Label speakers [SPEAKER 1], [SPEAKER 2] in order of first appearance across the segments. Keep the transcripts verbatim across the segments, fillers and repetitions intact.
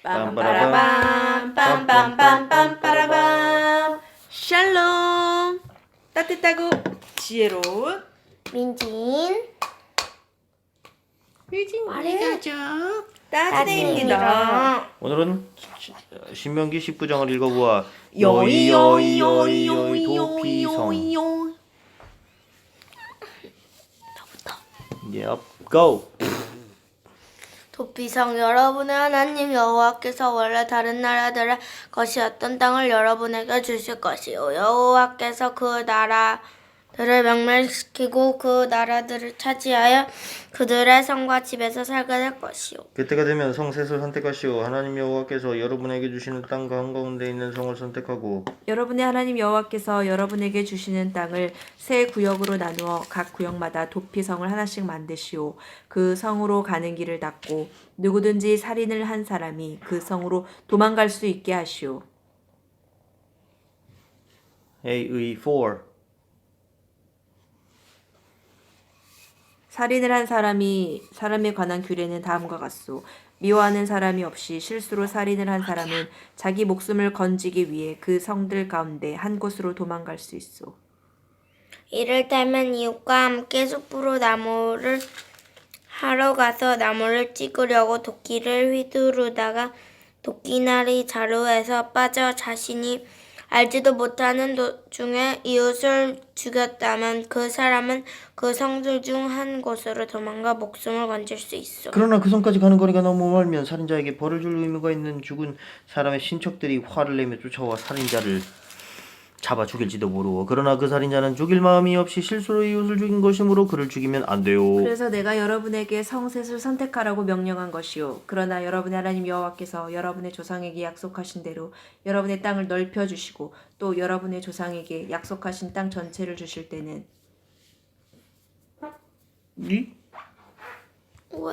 [SPEAKER 1] 빰빠라밤 빰빰빰빰 빠라밤. 샬롬. 따뜻하고 지혜로운
[SPEAKER 2] 민진
[SPEAKER 1] 유진
[SPEAKER 2] 말해가죠.
[SPEAKER 1] 따뜻해입니다.
[SPEAKER 3] 오늘은 시- 신명기 십구 장을 읽어보아.
[SPEAKER 1] 요이 요이
[SPEAKER 3] 요이
[SPEAKER 1] 요이 요이 요이
[SPEAKER 3] 도피성.
[SPEAKER 1] 요이 요이.
[SPEAKER 3] Yep, go.
[SPEAKER 2] 도피성 여러분의 하나님 여호와께서 원래 다른 나라들의 것이었던 땅을 여러분에게 주실 것이요 여호와께서 그 나라들을 멸망시키고 그 나라들을 차지하여 그들의 성과 집에서 살게 될 것이요
[SPEAKER 3] 그때가 되면 성 셋을 선택하시오. 하나님 여호와께서 여러분에게 주시는 땅 한가운데 있는 성을 선택하고
[SPEAKER 1] 여러분의 하나님 여호와께서 여러분에게 주시는 땅을 세 구역으로 나누어 각 구역마다 도피성을 하나씩 만드시오. 그 성으로 가는 길을 닫고 누구든지 살인을 한 사람이 그 성으로 도망갈 수 있게 하시오.
[SPEAKER 3] A의 four.
[SPEAKER 1] 살인을 한 사람이 사람에 관한 규례는 다음과 같소. 미워하는 사람이 없이 실수로 살인을 한 사람은 자기 목숨을 건지기 위해 그 성들 가운데 한 곳으로 도망갈 수 있소.
[SPEAKER 2] 이를테면 이웃과 함께 숲으로 나무를 하러 가서 나무를 찍으려고 도끼를 휘두르다가 도끼날이 자루에서 빠져 자신이 알지도 못하는 도중에 이웃을 죽였다면 그 사람은 그 성들 중 한 곳으로 도망가 목숨을 건질 수 있어.
[SPEAKER 3] 그러나 그 성까지 가는 거리가 너무 멀면 살인자에게 벌을 줄 의무가 있는 죽은 사람의 친척들이 화를 내며 쫓아와 살인자를 잡아 죽일지도 모르고 그러나 그 살인자는 죽일 마음이 없이 실수로 이웃을 죽인 것이므로 그를 죽이면 안 돼요.
[SPEAKER 1] 그래서 내가 여러분에게 성셋을 선택하라고 명령한 것이요. 그러나 여러분의 하나님 여호와께서 여러분의 조상에게 약속하신 대로 여러분의 땅을 넓혀주시고 또 여러분의 조상에게 약속하신 땅 전체를 주실 때는
[SPEAKER 3] 이?
[SPEAKER 2] 왜?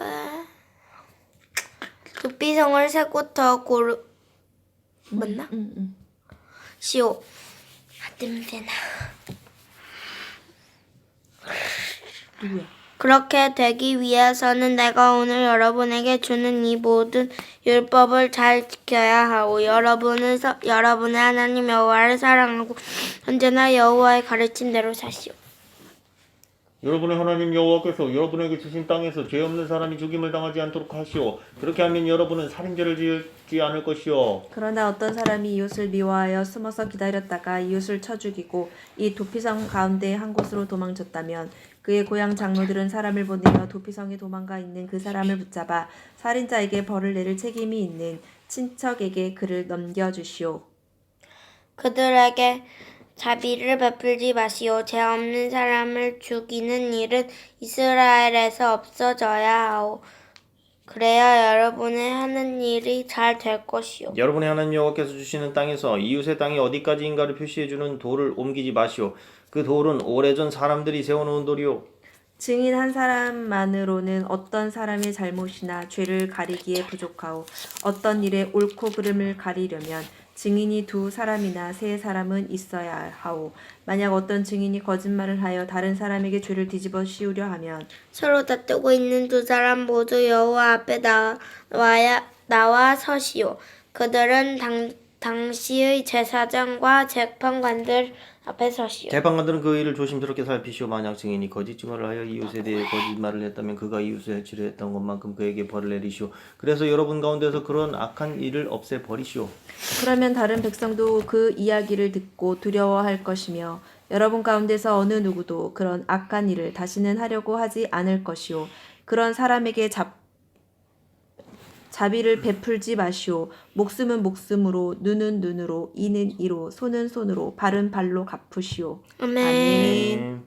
[SPEAKER 2] 도피성을 세 곳 더 고르... 맞나?
[SPEAKER 1] 응, 응.
[SPEAKER 2] 시오. 아, 냄새나.
[SPEAKER 1] 누구야?
[SPEAKER 2] 그렇게 되기 위해서는 내가 오늘 여러분에게 주는 이 모든 율법을 잘 지켜야 하고 여러분은 서, 여러분의 하나님 여호와를 사랑하고 언제나 여호와의 가르친 대로 사시오.
[SPEAKER 3] 여러분의 하나님 여호와께서 여러분에게 주신 땅에서 죄 없는 사람이 죽임을 당하지 않도록 하시오. 그렇게 하면 여러분은 살인죄를 지지 않을 것이오.
[SPEAKER 1] 그러나 어떤 사람이 이웃을 미워하여 숨어서 기다렸다가 이웃을 쳐 죽이고 이 도피성 가운데 한 곳으로 도망쳤다면 그의 고향 장로들은 사람을 보내어 도피성에 도망가 있는 그 사람을 붙잡아 살인자에게 벌을 내릴 책임이 있는 친척에게 그를 넘겨주시오.
[SPEAKER 2] 그들에게 자비를 베풀지 마시오. 죄 없는 사람을 죽이는 일은 이스라엘에서 없어져야 하오. 그래야 여러분의 하는 일이 잘 될 것이오.
[SPEAKER 3] 여러분의 하나님 여호와께서 주시는 땅에서 이웃의 땅이 어디까지인가를 표시해주는 돌을 옮기지 마시오. 그 돌은 오래전 사람들이 세워놓은 돌이오.
[SPEAKER 1] 증인 한 사람만으로는 어떤 사람의 잘못이나 죄를 가리기에 부족하오. 어떤 일의 옳고 그름을 가리려면 증인이 두 사람이나 세 사람은 있어야 하오. 만약 어떤 증인이 거짓말을 하여 다른 사람에게 죄를 뒤집어 씌우려 하면
[SPEAKER 2] 서로 다투고 있는 두 사람 모두 여호와 앞에 나와야 나와 서시오. 그들은 당, 당시의 제사장과 재판관들 앞에 서시오.
[SPEAKER 3] 재판관들은 그 일을 조심스럽게 살피시오. 만약 증인이 거짓 증언을 하여 이웃에 대해 거짓말을 했다면 그가 이웃을 해치려 했던 것만큼 그에게 벌을 내리시오. 그래서 여러분 가운데서 그런 악한 일을 없애버리시오.
[SPEAKER 1] 그러면 다른 백성도 그 이야기를 듣고 두려워할 것이며 여러분 가운데서 어느 누구도 그런 악한 일을 다시는 하려고 하지 않을 것이요. 그런 사람에게 잡 자비를 베풀지 마시오. 목숨은 목숨으로, 눈은 눈으로, 이는 이로, 손은 손으로, 발은 발로 갚으시오.
[SPEAKER 2] 아멘.
[SPEAKER 1] 아멘.